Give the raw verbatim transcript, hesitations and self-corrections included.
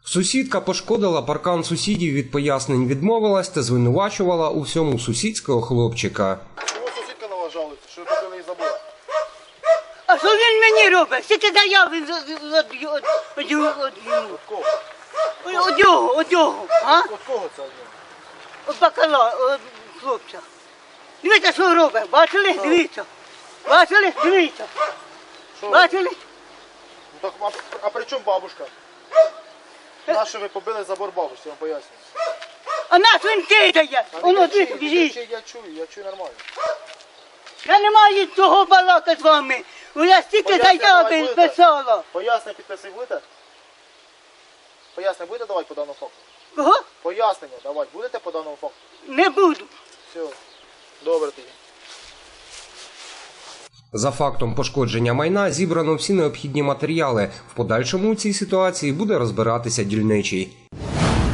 Сусідка пошкодила паркан сусідів, від пояснень відмовилась та звинувачувала у всьому сусідського хлопчика. Чого сусідка на вас жалується, що ви побили її забор? А що він мені робить? Скільки заяв він від йому? От кого? От його, от його, а? От кого це? От бакала, от хлопця. Дивіться, що робить, бачили? Дивіться. Бачили? Дивіться. Що? Бачили? Ну, так, а, а при чому бабушка? Наше ви побили забор бабусі, я вам пояснюю. А нас він кидає. А Воно не дивіться, кричіть, біжить. кричіть, я чую, я чую нормально. Я не маю цього балака з вами. У я стільки Пояснення давай заяви будете? писала. Пояснення підписи будете? Пояснення будете давати по даному факту? Кого? Пояснення давати будете по даному факту? Не буду. Все, добре тоді. За фактом пошкодження майна зібрано всі необхідні матеріали. В подальшому у цій ситуації буде розбиратися дільничий.